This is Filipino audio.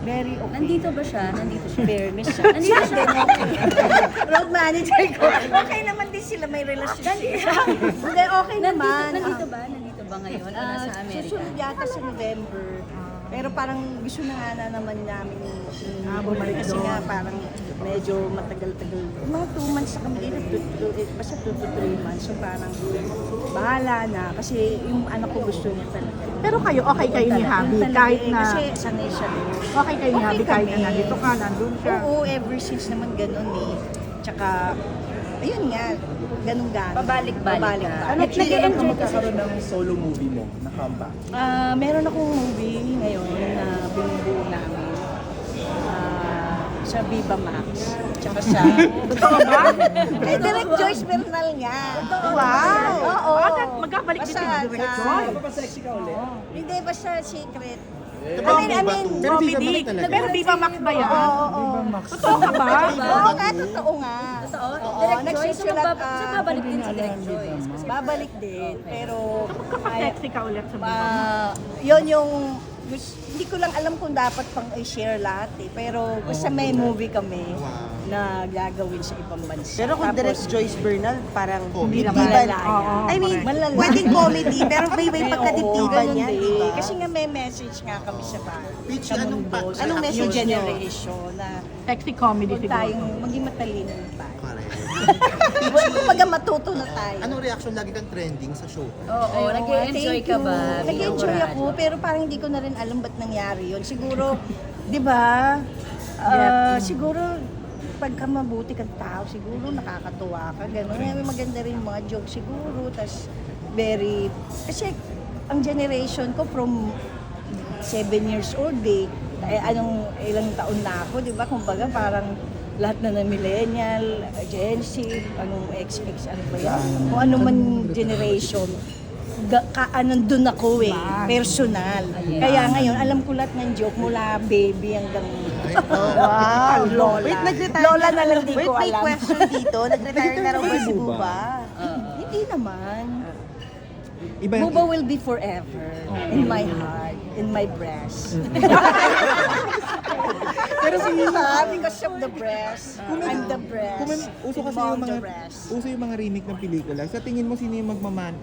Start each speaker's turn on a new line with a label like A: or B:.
A: Very okay.
B: Nandito ba siya? Nandito siya. Fairness siya. Nandito siya.
A: Road manager ko. Okay naman din sila, may relationship. Hindi, okay naman.
B: Nandito ba? Nandito ba ngayon? O nasa Amerika?
A: Susunod yata sa November. Pero parang gusto na nga na naman namin bumalik kasi nga parang medyo matagal-tagal. Mga 2 months na kami dito, basta 2 to 3 months. So parang bahala na kasi yung anak ko gusto niya talaga.
C: Pero kayo, okay kayo ni Habi kahit na...
A: Kasi sanay siya din.
C: Okay kayo ni Habi kahit na
A: kami.
C: nandito ka, nandun ka.
A: Oo, ever since naman ganun eh. Tsaka, ayun nga, ganun gano'n.
B: Pabalik-balik ka.
D: Ano kailan ka magkakaroon ng solo movie mo na comeback?
A: Meron akong movie ngayon na binubuo namin. Sa Viva Max. Tsaka sa...
C: Totoo ba?
A: Kay Direct Joyce Bernal nga.
C: Wow!
A: Oo.
C: Magkabalik din si Direct
A: Basta-
C: Joy.
D: Papasexy ka ulit?
A: Hindi, basta secret.
E: Pero
C: Pero
E: Viva Max talaga.
C: Pero Viva Max ba yan?
A: Oo.
C: Totoo ka ba?
A: Oo nga, totoo nga.
B: Totoo?
A: Oo,
B: Direct Joyce?
A: nagsusulat,
B: So babalik din si Direct Joyce? Kasi
A: Babalik din, pero...
C: Magkaka-sexy ka ulit sa Viva Max.
A: Yun yung... Hindi ko lang alam kung dapat pang i-share lahat eh. Pero basta may movie kami na gagawin sa ibang bansa.
F: Pero kung
A: Tapos,
F: Direct Joyce Bernal, parang
E: Comedy.
F: hindi
A: Malala
F: ba?
A: yan.
F: I mean,
A: Malala.
F: pwedeng comedy, pero may
A: Oo,
F: pagkadiktiban
A: ganun
F: niya,
A: din.
F: di ba?
A: Kasi nga may message nga kami sa bahay.
E: Pitch,
A: Sa
E: anong
A: mundo,
E: pa-
A: sa
F: anong
A: new
F: message niyo?
A: generation na
C: Sexy comedy
A: huwag
C: siguro.
A: tayong maging matalino tayo.
E: Correct.
A: Kumbaga matuto na tayo.
E: Anong reaction lagi kang trending sa show?
B: Oo, nag-enjoy ka ba?
A: Nag-enjoy ako, pero parang hindi ko na rin alam ba't nangyari yun. Siguro, di ba, siguro, pagka mabuti kang tao, siguro nakakatuwa ka, gano'n. May maganda rin yung mga jokes siguro, tas kasi ang generation ko from 7 years old ilang taon na ako, di ba? Kumbaga parang lahat na ng millennial, Gen Z, anong XX, ano ba yan? Kung ano man generation, nandun ako personal. Kaya ngayon, alam ko lahat ng joke mula baby hanggang wow, lola.
F: Wait, nag-retire
A: Lola na lang di ko
F: May
A: alam.
F: question dito. Nag-retire na raw ba si Buba?
A: Hindi naman.
E: Iba
A: Buba will be forever in my heart, in my breast. Pero because of the breast, I'm the breast.
D: Uso kasi
A: Involved
D: yung
A: the
D: mga
A: breast.
D: uso yung mga remake ng pelikula. Sa tingin mo sino yung magmaman